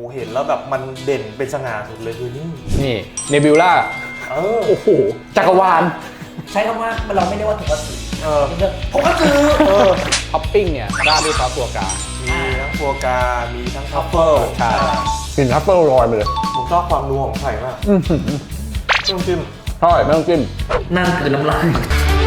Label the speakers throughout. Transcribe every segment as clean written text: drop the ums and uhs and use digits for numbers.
Speaker 1: เห็นแล้วแบบมันเด่นเป็นสง่าสุดเลยคือนี่
Speaker 2: เนบิวล่าโอ้โหจักรวาล
Speaker 3: ใช้คำว่าเราไม่ได้ว่าถุงกระสือถุงกระสือ
Speaker 2: ท็อปปิ้งเนี่ยราดด้วยซอสฟัวกรา
Speaker 1: มีทั้งฟัวกรามีทั้งทัฟเฟิล
Speaker 2: ใช่กลิ่นทัฟเฟิลลอยมาเลย
Speaker 1: ผมชอบความนัวของไข่มากไม่ต้องจิ้ม
Speaker 2: ใช่ไม่ต้องจิ้ม
Speaker 3: นั่นคือน้ำลาย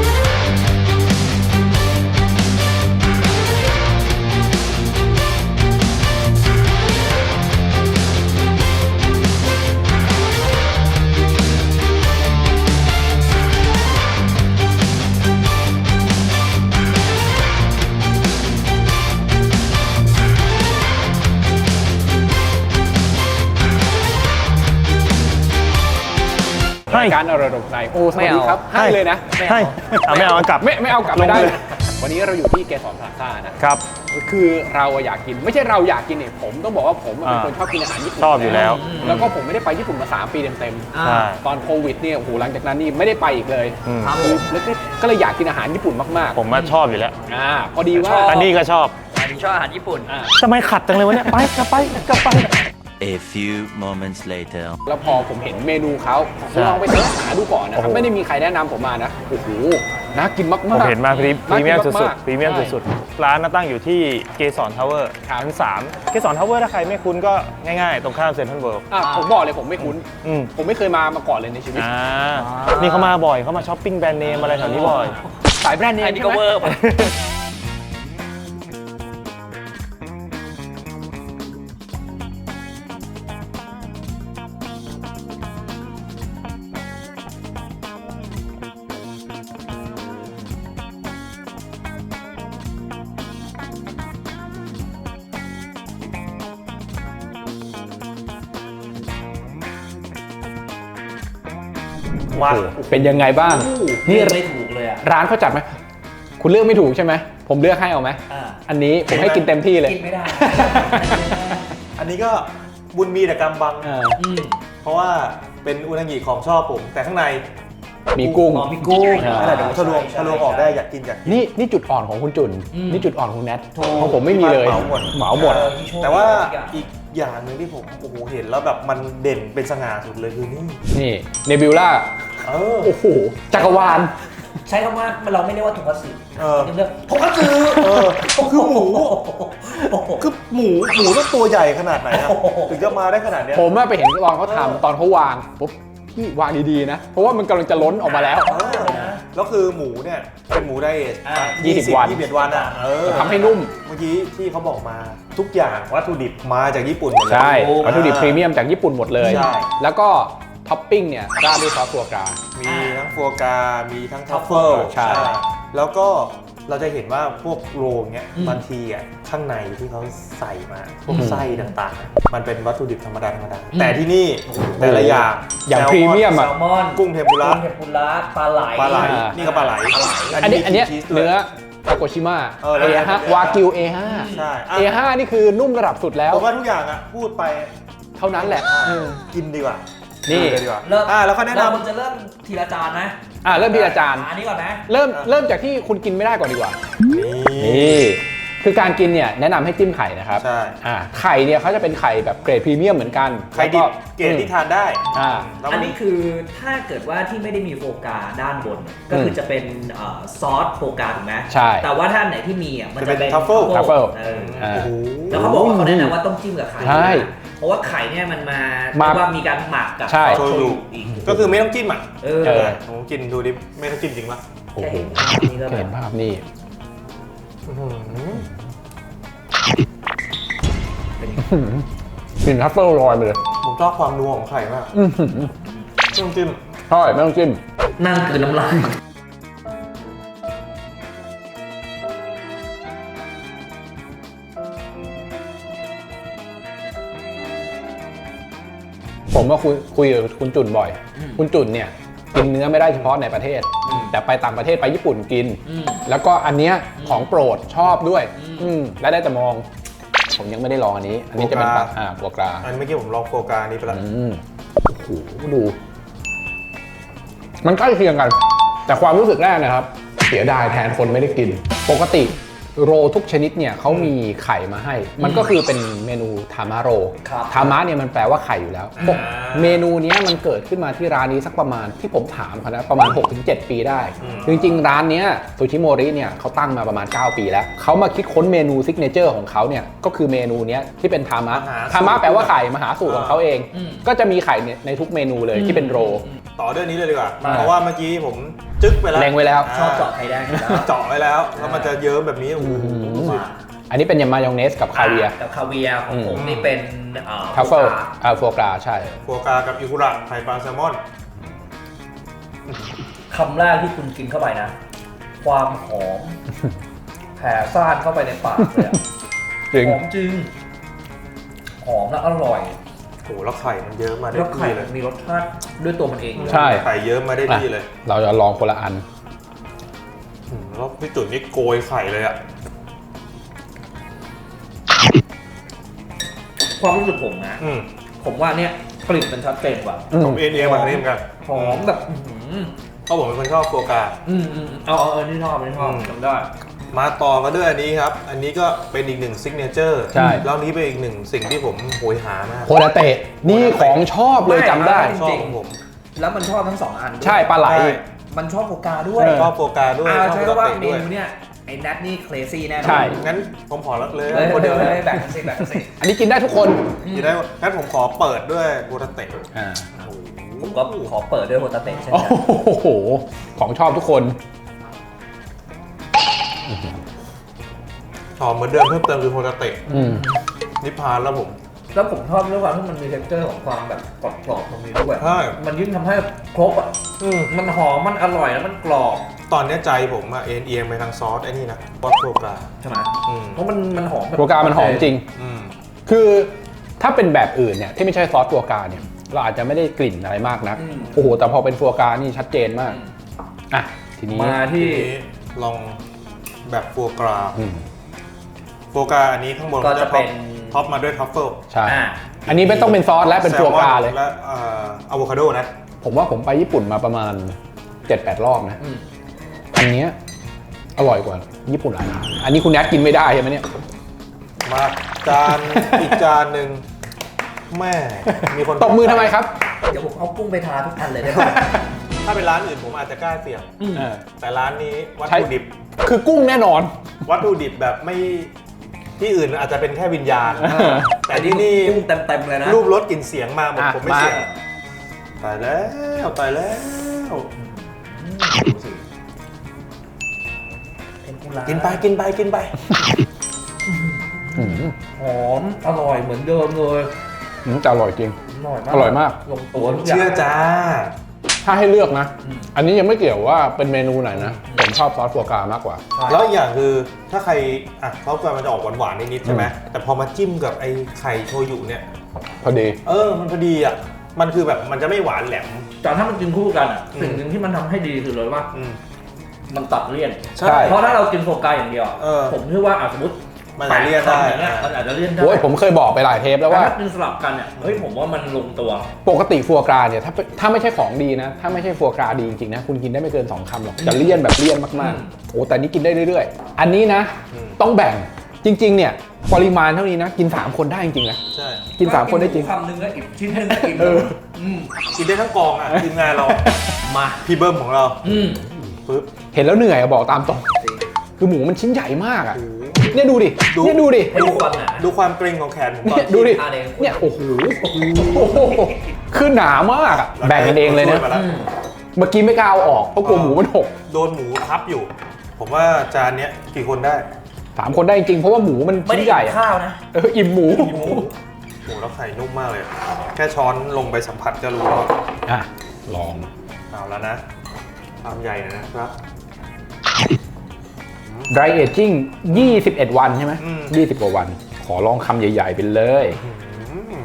Speaker 2: การอร่อยในโอ้สวัสดีครับให้เลยนะ
Speaker 1: ให้ไม่เอากลับ
Speaker 2: ไม่เอากลับไม่ได้วันนี้เราอยู่ที่เกสรพลาซ่านะครับคือเราอยากกินไม่ใช่เราอยากกินเนี่ยผมต้องบอกว่าผมเป็นคนชอบกินอาหารญี่ปุ่น
Speaker 1: ชอบอยู่แล้ว
Speaker 2: แล้วก็ผมไม่ได้ไปญี่ปุ่นมา3 ปีเต็มๆตอนโควิดเนี่ยโอ้โหหลังจากนั้นนี่ไม่ได้ไปอีกเลยแล้วก็เลยอยากกินอาหารญี่ปุ่นมาก
Speaker 1: ๆผมว่าชอบอยู่แล้ว
Speaker 2: พอดีว่า
Speaker 1: อันนี้ก็ชอบ
Speaker 3: อาหารญี่ปุ่น
Speaker 1: ทำไมขัดจังเลยวะเนี่ยไปกลับไป
Speaker 4: A few moments later
Speaker 2: แล้วพอผมเห็นเมนูเขาลองไปเสิร์ชหาดูก่อนนะครับไม่ได้มีใครแนะนำผมมานะโอ้โหน่ากินมากๆ
Speaker 1: ผมเห็นมาพรีเมียมสุดๆร้านตั้งอยู่ที่เกสรทาวเวอร์ชั้น3เกสรทาวเวอร์ถ้าใครไม่คุ้นก็ง่ายๆตรงข้ามเซ็นทรัลเวิลด์
Speaker 2: ผมบอกเลยผมไม่คุ้นผมไม่เคยมาก่อนเลยในชีวิต
Speaker 1: นี่เขามาบ่อยเขามาช้อปปิ้งแบรนด์เนมอะไรแถวนี้บ่อย
Speaker 2: สายแบรนด์เนม
Speaker 3: นี่ก็เวอร์
Speaker 2: เป็นยังไงบ้าง
Speaker 3: นี่ไม่ถูกเลยอ่ะ
Speaker 2: ร้านเขาจัดไหมคุณเลือกไม่ถูกใช่ไหมผมเลือกให้เอาไหมอันนี้ผมให้กินเต็มที่เลย
Speaker 3: กินไม่ได้
Speaker 1: อันนี้ก็บุญมีแต่กำบังเพราะว่าเป็นอุนางิของชอบผมแต่ข้างใน
Speaker 2: มีกุ้ง
Speaker 1: อะไรเดี๋ยวทะลวงออกได้อยากกิน
Speaker 2: นี่จุดอ่อนของคุณจุนนี่จุดอ่อนของแนทของผมไม่มีเลยเหมาหมด
Speaker 1: แต่ว่าอีกอย่างหนึ่งที่ผมโอ้โหเห็นแล้วแบบมันเด่นเป็นสง่าสุดเลยคือ
Speaker 2: นี่เนบิวล่าโอ้โหจักรวาล
Speaker 3: ใช้คำว่าเราไม่ได้ว่าถุงกระสือถุงกระสือ
Speaker 1: คือหมูต้องตัวใหญ่ขนาดไหนถึงจะมาได้ขนาดนี้
Speaker 2: ผมไปเห็นตอนเขาทำตอนเขาวางปุ๊บพี่วางดีๆนะเพราะว่ามันกำลังจะล้นออกมาแล้ว
Speaker 1: แล้วคือหมูเนี่ยเป็นหมูไดเอท
Speaker 2: 20 วันทำให้นุ่ม
Speaker 1: เมื่อกี้ที่เขาบอกมาทุกอย่างวัตถุดิบมาจากญี่ปุ่นหมดเลย
Speaker 2: ใช่วัตถุดิบพรีเมียมจากญี่ปุ่นหมดเลยแล้วก็ท็อปปิ้งเนี่ยราดด้วยซอสฟัวกรา
Speaker 1: มีทั้งฟัวกรามีทั้งทัฟเฟิล
Speaker 2: ใช่
Speaker 1: แล้วก็เราจะเห็นว่าพวกโรลเงี้ยบางทีข้างในที่เขาใส่มาพวกไส้ต่างๆมันเป็นวัตถุดิบธรรมดาแต่ที่นี่แต่ละอย่าง
Speaker 2: พรีเมียม
Speaker 3: แซลมอน
Speaker 1: กุ้งเทมปุระ
Speaker 3: ปลาไหล
Speaker 1: นี่ก็ปลาไหล
Speaker 2: อันนี้เนื้อทาโกชิมะA5 วากิว A5
Speaker 1: ใช่
Speaker 2: A5 นี่คือนุ่มระดับสุดแล้ว
Speaker 1: ผมว่าทุกอย่างพูดไป
Speaker 2: เท่านั้นแหละ
Speaker 1: กินดีกว่า
Speaker 2: นี่
Speaker 1: ดีกว่าแล้วเขาแนะนำ
Speaker 3: มันจะเริ่มทีละจานนะ
Speaker 2: เริ่มทีละจาน
Speaker 3: อันนี้ก่อนนะ
Speaker 2: เริ่มจากที่คุณกินไม่ได้ก่อนดีกว่านี่คือการกินเนี่ยแนะนำให้จิ้มไข่นะครับ
Speaker 1: ใช่
Speaker 2: ไข่เนี่ยเขาจะเป็นไข่แบบเกรดพรีเมียมเหมือนกัน
Speaker 1: ไข่ดิบเกรดที่ทานได้
Speaker 3: อันนี้คือถ้าเกิดว่าที่ไม่ได้มีโฟกาด้านบนก็คือจะเป็นซอสโฟกาถูกไหม
Speaker 2: ใช่
Speaker 3: แต่ว่าถ้าไหนที่มีมันจะเป็น
Speaker 1: ทัฟเฟิล
Speaker 3: แล้วเขาบอกว่าเขาแนะนำว่าต้องจิ้มกับไข่
Speaker 2: ใช่
Speaker 3: เพราะว่าไข่เนี่ยมันมาว่ามีการหมักกับ
Speaker 2: ซอส
Speaker 1: โชยุอีกก็คือไม่ต้องจิ้มผมกินดูดิไม่ต้องจิ้มจริงปะ
Speaker 2: โอ้โหเห็นภาพนี่กลิ่นทัฟเฟิลลอยมาเลย
Speaker 1: ผมชอบความนัวของไข่มากไม่ต้องจิ้ม
Speaker 2: ใช่ไม่ต้องจิ้ม
Speaker 3: นั่นคือน้ำลาย
Speaker 2: ผมก็คุยกับคุณจุนบ่อยคุณจุนเนี่ยกินเนื้อไม่ได้เฉพาะในประเทศแต่ไปต่างประเทศไปญี่ปุ่นกินแล้วก็อันเนี้ยของโปรดชอบด้วยและได้แต่มองผมยังไม่ได้ลองอันนี้จะเป็นฟัวกรา
Speaker 1: อันเมื่อกี้ผมลองฟัวกรานี้ไปแล้ว
Speaker 2: โอ้โหดูมันใกล้เคียงกันแต่ความรู้สึกแรกนะครับเสียดายแทนคนไม่ได้กินปกติโรทุกชนิดเนี่ยเขามีไข่มาให้ มันก็คือเป็นเมนูทามาโร
Speaker 3: ครับ
Speaker 2: ทามะเนี่ยมันแปลว่าไข่อยู่แล้วพวกเมนูเนี้ยมันเกิดขึ้นมาที่ร้านนี้สักประมาณที่ผมถามเขานะประมาณ 6-7 ปีได้จริงๆร้านเนี้ยซูชิโมริเนี่ยเขาตั้งมาประมาณ 9 ปีแล้วเขามาคิดค้นเมนูซิกเนเจอร์ของเขาเนี่ยก็คือเมนูเนี้ยที่เป็นทามะแปลว่าไข่มหาสูตรของเขาเอง ก็จะมีไข่ในทุกเมนูเลยที่เป็นโร
Speaker 1: ต่อเรื่องนี้เลยดีกว่า เพราะว่าเมื่อกี้ผมจึ๊กไปแล้ว
Speaker 2: เล็งไว้แล้ว
Speaker 3: ชอบเจาะไข่แดงอยู่แล้ว
Speaker 1: เจาะไว้แล้วแล้วมันจะเยิ้มแบบนี้โอ้โห
Speaker 2: อันนี้เป็นยามายองเนสกับคาเวียร์
Speaker 3: กับคาเวียร์ของผมนี่เป็น
Speaker 2: ทัฟเฟิลฟัวกราใช่
Speaker 1: ฟัวกรากับอิคุระไข่ปลาแซลมอน
Speaker 3: คำแรกที่คุณกินเข้าไปนะ ความหอม แผ่ซ่านเข้าไปในปากเลยอะ
Speaker 2: จริง
Speaker 3: หอมจริง หอมและอร่อย
Speaker 1: โอ้โหแล้วไข่มันเยิ้มมาได้
Speaker 3: แล้วไข่
Speaker 1: ที่เลย
Speaker 3: มีรสชาติด้วยตัวมันเองอยู่แล้ว
Speaker 2: ใช่
Speaker 1: ไข่เยิ้มมาได้ที่เลย
Speaker 2: เราจะลองคนละอัน
Speaker 1: แล้วพี่จุ๋ยนี่โกยไข่เลยอ่ะ
Speaker 3: ความรู้สึกผมนะ ผมว่าเนี่ยกลิ่นมันชัดเจนกว่า
Speaker 1: ผมเอ็นมาทางนี้เหมือนกัน
Speaker 3: หอมแบบอื้อหือ
Speaker 1: เพราะผมเป็นคนชอบฟัวกรา
Speaker 3: เอานี่ชอบจำได้
Speaker 1: มาต่อกันด้วยอันนี้ครับ อันนี้ก็เป็นอีกหนึ่งซิกเนเจอร์
Speaker 2: ใช่
Speaker 1: แล้วนี้เป็นอีกหนึ่งสิ่งที่ผมโหยหามาก
Speaker 2: โคดาเตะนี่ของชอบเลยจำได้
Speaker 3: ไม่
Speaker 1: ชอบของผม
Speaker 3: แล้วมันชอบทั้งสองอันด้วย
Speaker 2: ใช่ปลาไหล
Speaker 1: ใช่
Speaker 3: มันชอบโฟกาด้วย
Speaker 1: ชอบฟัวกราด้วยชอบ
Speaker 3: ใช่
Speaker 1: ฟัว
Speaker 3: ว่า
Speaker 1: เตะ
Speaker 3: เม
Speaker 1: ด้วย
Speaker 3: นูเนี่ยไอ้นัทนี่เคลซี่แน่นอน
Speaker 2: ใช่
Speaker 1: งั้นผมขอเลย
Speaker 3: เลย
Speaker 1: คนเดียว
Speaker 3: เลยแบ่งกันสิ
Speaker 2: อันนี้กินได้ทุกคน
Speaker 1: กินได้งั้นผมขอเปิดด้วยฟัวเตะ
Speaker 2: อ่า
Speaker 3: ผมก็ขอเปิดด้วยโฮตาเตะเช่น
Speaker 2: โอ้
Speaker 3: กัน
Speaker 2: โหของชอบทุกคน
Speaker 1: ชอบเหมือนเดิมเพิ่มเติมคือฟัวเตะ
Speaker 2: อืม
Speaker 1: นิพพานแล้วผม
Speaker 3: แล้วผมชอบด้วยความที่มันมีเท็กเจอร์ของความแบบกรอบๆตรงนี้ด้วย
Speaker 1: ใช่
Speaker 3: มันยิ่งทำให้ครบอ่ะมันหอมมันอร่อยแล้วมันกรอบ
Speaker 1: ตอนนี้ใจผมอะเอียงไปทางซอสไอ้นี่นะซอสฟัวกรา
Speaker 3: ใช่ไหม
Speaker 1: อืม
Speaker 3: เพราะมันหอมแบบ
Speaker 2: โฟกามันหอมจริง
Speaker 1: อืม
Speaker 2: คือถ้าเป็นแบบอื่นเนี่ยที่ไม่ใช่ซอสฟัวกราเนี่ยเราอาจจะไม่ได้กลิ่นอะไรมากนักโอ้โหแต่พอเป็นฟัวกรานี่ชัดเจนมากอ่ะทีนี้
Speaker 3: มา
Speaker 1: ที
Speaker 3: ที่
Speaker 1: นี้ลองแบบฟัวกรา
Speaker 2: อืม
Speaker 1: ฟัวกราอันนี้ข้างบน
Speaker 3: ก็จะเป็น
Speaker 1: ท็อปมาด้วยทัฟเฟิล
Speaker 2: ใช่
Speaker 3: อ่า
Speaker 2: อันนี้ไม่ต้องเป็นซอสและเป็นฟัวกราเลย
Speaker 1: และอะโวคาโดนะ
Speaker 2: ผมว่าผมไปญี่ปุ่นมาประมาณ 7-8 รอบนะ อันเนี้ยอร่อยกว่าญี่ปุ่นหลายร้านอันนี้คุณแนทกินไม่ได้ใช่ไหมเนี่ย
Speaker 1: มาจาน อีกจานหนึ่งแม่มีคน
Speaker 2: ตบมือทำไมครับ
Speaker 3: เดี๋ยวผมเอากุ้งไปทาทุกอันเลยได้ไหม
Speaker 1: ถ้าเป็นร้านอื่นผมอาจจะกล้าเสี่ยง
Speaker 2: เออ
Speaker 1: แต่ร้านนี้วัต
Speaker 2: ใช่
Speaker 1: ถุดิบ
Speaker 2: คือกุ้งแน่นอน
Speaker 1: วัตถุดิบแบบไม่ที่อื่นอาจจะเป็นแค่วิญญาณ แต่ที่นี่
Speaker 3: กุ้งเต็มๆเลยนะ
Speaker 1: รูปรสกลิ่นเสียงมาหมด
Speaker 2: อ่ะ
Speaker 1: ผมไม่เสี่ยง
Speaker 2: มา
Speaker 1: ตายแล้วตายแล้ว
Speaker 3: เป็นกุหลาบ
Speaker 1: กินไปกินไปกินไป
Speaker 2: อืม
Speaker 3: หอมอร่อยเหมือนเดิมเลย
Speaker 2: แต่อร่อยจริง
Speaker 3: อร่อยมาก
Speaker 2: อร่อยมาก
Speaker 3: ลงตัวทุกอย่าง
Speaker 1: เชื่อจ้า
Speaker 2: ถ้าให้เลือกนะ อันนี้ยังไม่เกี่ยวว่าเป็นเมนูไหนนะ ผมชอบซอสฟัวกรามากกว่า
Speaker 1: แล้วอีกอย่างคือถ้าใครอ่ะเขามันจะออกหวานๆนิดๆใช่ไหมแต่พอมาจิ้มกับไอ้ไข่โชยุเนี่ย
Speaker 2: พอดี
Speaker 1: มันพอดีอ่ะมันคือแบบมันจะไม่หวานแหลม
Speaker 3: แต่ถ้ามันกินคู่กันอ่ะ
Speaker 1: อืม
Speaker 3: สิ่งหนึ่งที่มันทำให้ดีคือเลยว่า
Speaker 1: อืม
Speaker 3: มันตัดเลี่ยน
Speaker 1: ใช่
Speaker 3: เพราะถ้าเรากินโฟกาอย่างเดียวอะ
Speaker 1: เออ
Speaker 3: ผมคิดว่าสมมติ
Speaker 1: มันจะเลี่ยนได้
Speaker 3: แปคำอย่างเงี้ยมันอาจจะเลี่ยนได้
Speaker 2: โอ้ยผมเคยบอกไปหลายเทปแล้ว
Speaker 3: แต่
Speaker 2: ว่า
Speaker 3: ถ้ากินสลับกันเนี่ยเฮ้ยผมว่ามันลงตัว
Speaker 2: ปกติฟัวกราเนี่ยถ้าไม่ใช่ของดีนะ ถ้าไม่ใช่ฟัวกราดีจริงๆนะ คุณกินได้ไม่เกิน 2 คำหรอก จะเลี่ยนแบบเลี่ยนมากๆ โอ้แต่นี้กินได้เรื่อยๆ อันนี้นะ ต้องแบ่งจริงๆเนี่ยปริมาณเท่านี้นะ กิน 3 คนได้จริงๆนะ
Speaker 1: ใช่
Speaker 2: กิน 3 คนได้จริง
Speaker 3: คำหนึ่งแล้วอีกชิ้นหนึ่งก็กิน
Speaker 2: เออ
Speaker 1: กินได้ทั้งกองอ่ะทีมงานเรา
Speaker 3: มา
Speaker 1: พี่เบิ้มของเรา
Speaker 3: อืม
Speaker 1: ปึ๊บ
Speaker 2: เห็นแล้วเหนื่อยอะบอกตามตรง คือหมูมันชิ้นใหญ่มากอะเนี่ยดูดิ
Speaker 1: ดู
Speaker 2: เนี่ยดูดิ
Speaker 3: ให้ดูความหนา
Speaker 1: ดูความเกรงของแขนผมก่อ
Speaker 2: เนี่ย
Speaker 1: น
Speaker 2: ดูดิ
Speaker 3: อ่ะเดี๋ยว
Speaker 2: เนี่ยโอ้โหคือหนามากอะแบ่งกันเองเลยนะ
Speaker 1: ช่วมาแว
Speaker 2: เมื่อกี้ไม่กล้าเอาออกเพราะกลัวหมูมันหก
Speaker 1: โดนหมูทับอยู่ ผมว่าจานเนี้ยกี่คนได้
Speaker 2: 3 คนได้จริงๆเพราะว่าหมูมัน
Speaker 3: ไม่
Speaker 2: ชิ้
Speaker 3: ได้
Speaker 2: นใหญ่
Speaker 3: กิน
Speaker 2: อะ
Speaker 3: ข้าวนะ
Speaker 2: อิ่มหมู
Speaker 1: หมูแล้วไข่นุ่มมากเลย แค่ช้อนลงไปสัมผัสก็รู้แล้ว
Speaker 2: อ่ะลอง
Speaker 1: เอาแล้วนะความใหญ่หน่อยนะครับ
Speaker 2: dry aging 21 วันใช่ไหม
Speaker 1: อืม
Speaker 2: 20 กว่าวัน ขอลองคำใหญ่ ๆ ไปเลย
Speaker 1: อืม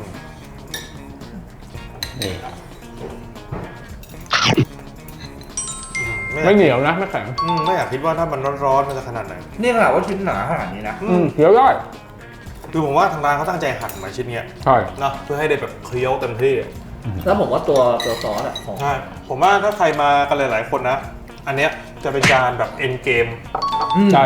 Speaker 2: นี่
Speaker 1: ไม่
Speaker 2: ไม่เหนียวนะไม่แข็ง
Speaker 1: ไม่อยากคิดว่าถ้ามันร้อนๆมันจะขนาดไหน
Speaker 3: นี่ขนาดว่าชิ้นหนาขนาดนี้นะ
Speaker 2: เคี้ยวได้
Speaker 1: คือผมว่าทางร้านเขาตั้งใจหั่นมาชิ้นเนี้ย
Speaker 2: ใช่
Speaker 1: เนาะเพื่อให้ได้แบบเคี้ยวเต็มที่
Speaker 3: แล้วผมว่าตัวซอสอะของ
Speaker 1: ใช่ผมว่าถ้าใครมากันหลายๆคนนะ อันเนี้ยจะเป็นจานแบบเอ็นเกม
Speaker 2: ใช่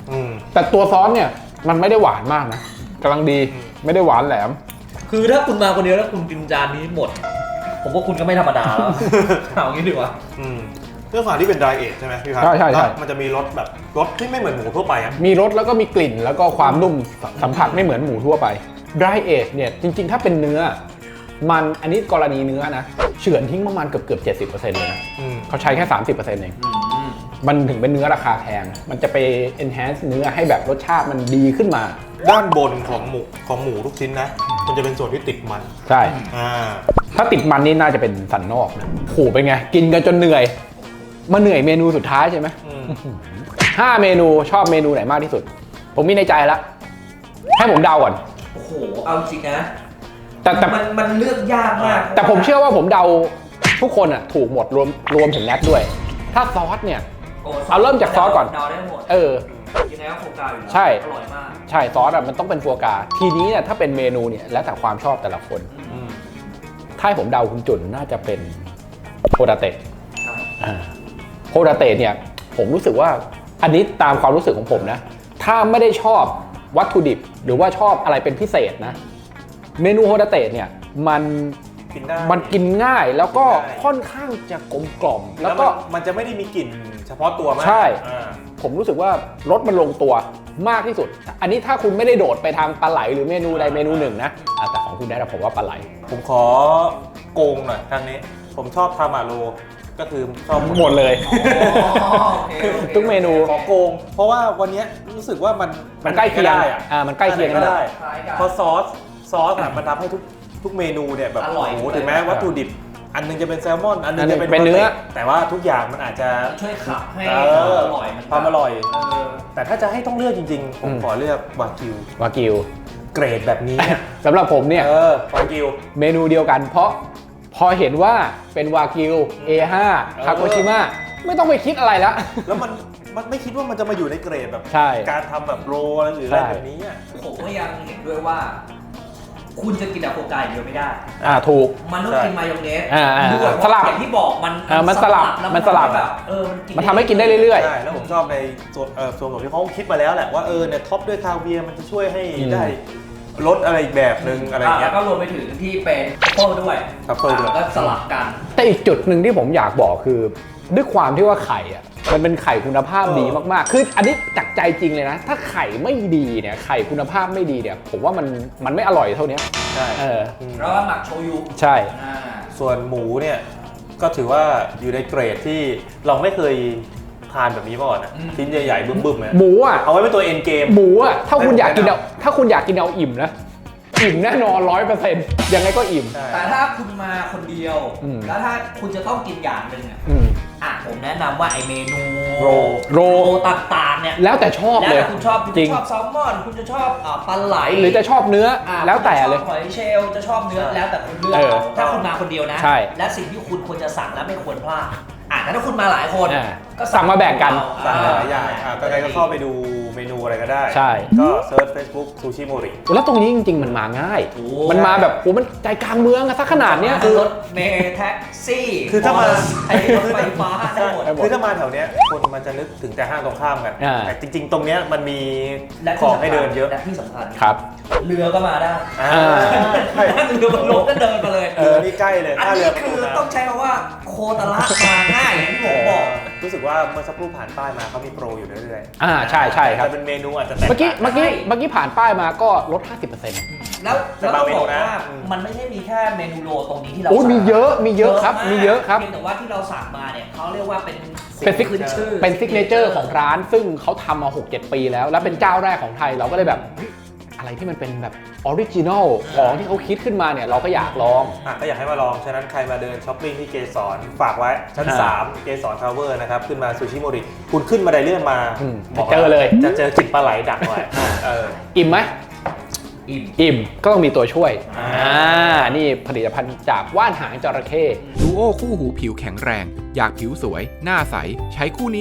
Speaker 2: แต่ตัวซอสเนี่ยมันไม่ได้หวานมากนะกำลังดีไม่ได้หวานแหลม
Speaker 3: คือถ้าคุณมาคนเดียวแล้วคุณกินจานนี้หมด ผมว่าคุณก็ไม่ธรรมดาแล้ว เอางี้ดีกว่า
Speaker 1: เรื่องความที่เป็น dry age ใช่ไหมพี่พัฒน์
Speaker 2: ใช่
Speaker 1: มันจะมีรสแบบรสที่ไม่เหมือนหมูทั่วไปอ่ะ
Speaker 2: มีรสแล้วก็มีกลิ่นแล้วก็ความนุ่มสัมผัสไม่เหมือนหมูทั่วไป dry age เนี่ยจริงๆถ้าเป็นเนื้อมันอันนี้กรณีเนื้อนะเฉือนทิ้งประมาณเกือบ 70% เลยนะเขาใช้แค่ 30% เองมันถึงเป็นเนื้อราคาแพงมันจะไป enhance เนื้อให้แบบรสชาติมันดีขึ้นมา
Speaker 1: ด้านบนของหมูทุกชิ้นนะมันจะเป็นส่วนที่ติดมัน
Speaker 2: ใช่ ถ้าติดมันนี่น่าจะเป็นสันนอกนะโหเป็นไงกินกันจนเหนื่อยมาเหนื่อยเมนูสุดท้ายใช่ไหม5 เมนูชอบเมนูไหนมากที่สุดผมมีในใจแล้วให้ผมเดาก่อน
Speaker 3: โอ้โห เอาจริงนะ
Speaker 2: แต่
Speaker 3: มันเลือกยากมาก
Speaker 2: แต่ผมเชื่อว่าผมเดาทุกคนอ่ะถูกหมดรวมถึงแนทด้วย ถ้าซอสเนี่ยเอาเริ่มจากซอสก่อน
Speaker 3: เดาได้หมด ยังไงก็โฟกัสอยู่แล้ว
Speaker 2: ใช่
Speaker 3: อร่อยมาก
Speaker 2: ใช่ซอสอ่ะมันต้องเป็นฟัวกราทีนี้เนี่ยถ้าเป็นเมนูเนี่ยแล้วแต่ความชอบแต่ละคนถ้าให้ผมเดาคุณจุนน่าจะเป็นโฮดาเตะโฮดาเตะเนี่ยผมรู้สึกว่าอันนี้ตามความรู้สึกของผมนะถ้าไม่ได้ชอบวัตถุดิบหรือว่าชอบอะไรเป็นพิเศษนะเมนูโฮดาเตะเนี่ยมันกินง่ายแล้วก็ค่อนข้างจะกลมกล่อมแล้วก็
Speaker 1: มันจะไม่ได้มีกลิ่นเฉพาะตัวมาก
Speaker 2: ใช่ผมรู้สึกว่ารสมันลงตัวมากที่สุดอันนี้ถ้าคุณไม่ได้โดดไปทางปลาไหลหรือเมนูใดเมนูหนึ่งนะแต่ของคุณได้ผมว่าปลาไหล
Speaker 1: ผมขอโกงหน่อยทางนี้ผมชอบทามาโรก็คือชอบ
Speaker 2: หมดเลยทุกเมนู
Speaker 1: ขอโกงเพราะว่าวันนี้รู้สึกว่ามัน
Speaker 2: ใกล้เคียงมันใกล้เคียง
Speaker 1: ก็ได้เพราะซอสมันทำให้ทุกเมนูเนี่ยแบบโอ้โหถึงแม้วัตถุดิบอันนึงจะเป็นแซลมอนอันนึงจะเป็น
Speaker 2: เนื้อ
Speaker 1: แต่ว่าทุกอย่างมันอาจจะ
Speaker 3: ช่วยขับให้อร่อย
Speaker 1: ความอร่อยแต่ถ้าจะให้ต้องเลือกจริงๆผมขอเลือกวากิวเกรดแบบนี้
Speaker 2: สำหรับผมเนี่
Speaker 1: ยวากิว
Speaker 2: เมนูเดียวกันเพราะพอเห็นว่าเป็นวากิว A5 คาโกชิมะไม่ต้องไปคิดอะไรแล้ว
Speaker 1: แล้วมันไม่คิดว่ามันจะมาอยู่ในเกรดแบบการทำแบบโรหรืออะไรแบบนี้
Speaker 3: ผมก็ยังเห็นด้วยว่าคุณจะกินแต่โฟกาอย่างเดียวไม่ได้
Speaker 2: ถูก
Speaker 3: มันต้องกินมายองเนส
Speaker 2: ด้วยสลับ
Speaker 3: อย่างที่บอก
Speaker 2: มันสลับ
Speaker 3: แบบ
Speaker 2: มันทำให้กินได้เรื่อย
Speaker 1: ๆใช่แล้วผมชอบในส่วนของที่เขาคิดมาแล้วแหละว่าเนี่ยท็อปด้วยคาเวียร์มันจะช่วยให้ได้รสอะไรอีกแบบนึงอะไรเงี้ย
Speaker 3: ก็รวมไปถึงที่เป็นทัฟเฟิลด้วยก็สลับกัน
Speaker 2: แต่อีกจุดหนึ่งที่ผมอยากบอกคือด้วยความที่ว่าไข่อ่ะมันเป็นไข่คุณภาพดีมากๆคืออันนี้จากใจจริงเลยนะถ้าไข่ไม่ดีเนี่ยไข่คุณภาพไม่ดีเนี่ยผมว่ามันไม่อร่อยเท่านี้
Speaker 1: ใช่
Speaker 3: แล้วก็หมักโชยุ
Speaker 2: ใช่
Speaker 1: ส่วนหมูเนี่ยก็ถือว่าอยู่ในเกรดที่เราไม่เคยทานแบบนี้มาก่อนนะชิ้นใหญ่ๆบึ้มๆเลย
Speaker 2: หมูอ่ะ
Speaker 1: เอาไว้เป็นตัวเอ็นเกม
Speaker 2: หมูอ่ะถ้าคุณอยากกินเอาอิ่มนะอิ่มแน่นอน 100% ยังไงก็อิ่ม
Speaker 3: แต่ถ้าคุณมาคนเดียวแล้วถ้าคุณจะต้องกินอย่างหนึ่งผมแนะนำว่าไอเมนูโรต่างๆเนี่ย
Speaker 2: แล้วแต่ชอบเลย
Speaker 3: คุณชอบแซลมอนคุณจะชอบปลาไหล
Speaker 2: หรือจะชอบเนื้อแล้วแต่เลย
Speaker 3: หอยเชลล์จะชอบเนื้อแล้วแต่คุณเลือกถ้าคุณมาคนเดียวนะและสิ่งที่คุณควรจะสั่งและไม่ควรพลาดแต่ถ้าคุณมาหลายคน
Speaker 2: ก็สั่งมาแบ่งกัน
Speaker 1: สั่งหลายอย่างก็ใครก็เข้าไปดูเมนูอะไรก็ได้
Speaker 2: ใช่
Speaker 1: ก็เซิร์ช Facebook ซูชิโมริ
Speaker 2: แล้วตรงนี้จริงๆมันมาง่ายมันมาแบบมันใจกลางเมืองซะขนาดเนี้ย
Speaker 3: คือรถเมล์แท็กซี่
Speaker 1: คือถ้ามาร
Speaker 3: ถไฟฟ้าได้หมด
Speaker 1: คือถ้ามาแถวเนี้ยคนมันจะนึกถึงแต่ห้างตรงข้ามกันแต่จริงๆตรงเนี้ยมันมีของให้เดินเยอะ
Speaker 3: และที่สำคัญ
Speaker 2: ครับ
Speaker 3: เรือก็มาได้เรือบนรถก็เดินมาเลย
Speaker 1: นี่ใกล้เลย
Speaker 3: อันนี้คือต้องใช้คำว่าโคตรละมาง่ายอย่างที่ผมบอก
Speaker 1: รู้สึกว่าเมื่อสักครู่ผ่านป้ายมาเขามีโปรอยู่เรื่อย
Speaker 2: ๆใช่ครับ
Speaker 1: แต่เป็นเมนูอาจจะแตก
Speaker 2: เมื่อกี้ผ่านป้ายมาก็ลด 50%
Speaker 3: แล้วต้องบอกว่ามันไม่ใช่มีแค่เมนูโรตรงนี้ที่เรา
Speaker 2: มีเยอะครับ
Speaker 3: แต่ว่าที่เราสั่งมาเนี่ยเขาเรียกว่าเป็น
Speaker 2: ซิกเนเจอร์ของร้านซึ่งเขาทำมา 6-7 ปีแล้วและเป็นเจ้าแรกของไทยเราก็เลยแบบอะไรที่มันเป็นแบบออริจินอลของที่เขาคิดขึ้นมาเนี่ยเราก็อยากลอง
Speaker 1: ก็อยากให้มาลองฉะนั้นใครมาเดินช้อปปิ้งที่เกสรฝากไว้ชั้น3เกสรทาวเวอร์นะครับขึ้นมาซูชิโมริคุณขึ้นมาไดเลื่อนมา
Speaker 2: เจอเลย
Speaker 1: จะเจอกลิ่นปลาไหลดักไว้
Speaker 2: อิ่มไหมอิ่มก็ต้องมีตัวช่วยนี่ผลิตภัณฑ์จากว่านหางจระเข้
Speaker 5: ดูโอคู่หูผิวแข็งแรงอยากผิวสวยหน้าใสใช้คู่นี้สิ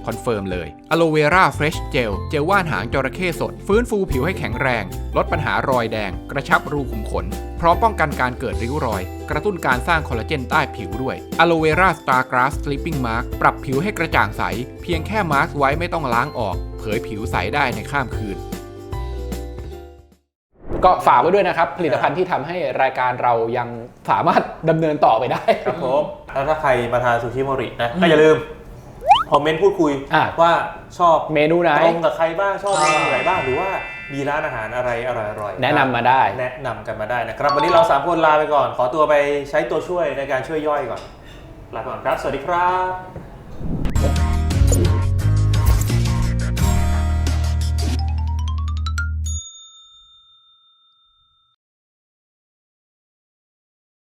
Speaker 5: คอนเฟิร์มเลย Aloe Vera Fresh Gel เจลว่านหางจระเข้สดฟื้นฟูผิวให้แข็งแรงลดปัญหารอยแดงกระชับรูขุมขนพร้อมป้องกันการเกิดริ้วรอยกระตุ้นการสร้างคอลลาเจนใต้ผิวด้วย Aloe Vera Star Grass Sleeping Mask ปรับผิวให้กระจ่างใสเพียงแค่มาร์กไว้ไม่ต้องล้างออกเผยผิวใสได้ในข้ามคืน
Speaker 2: ก็ฝากไว้ด้วยนะครับผลิตภัณฑ์ที่ทำให้รายการเรายังสามารถดำเนินต่อไปได้
Speaker 1: ครับผมแล้วถ้าใครมาทานซูชิโมรินะก็อย่าลืมคอมเมนต์พูดคุยว่าชอบ
Speaker 2: เมนูไหน
Speaker 1: ตรงกับใครบ้างชอบเมนูไหนบ้างหรือว่ามีร้านอาหารอะไรอร่อยๆ
Speaker 2: แนะนำมาได้
Speaker 1: แนะนำกันมาได้นะครับวันนี้เรา3คนลาไปก่อนขอตัวไปใช้ตัวช่วยในการช่วยย่อยก่อนลาไปก่อนครับสวัสดีครับ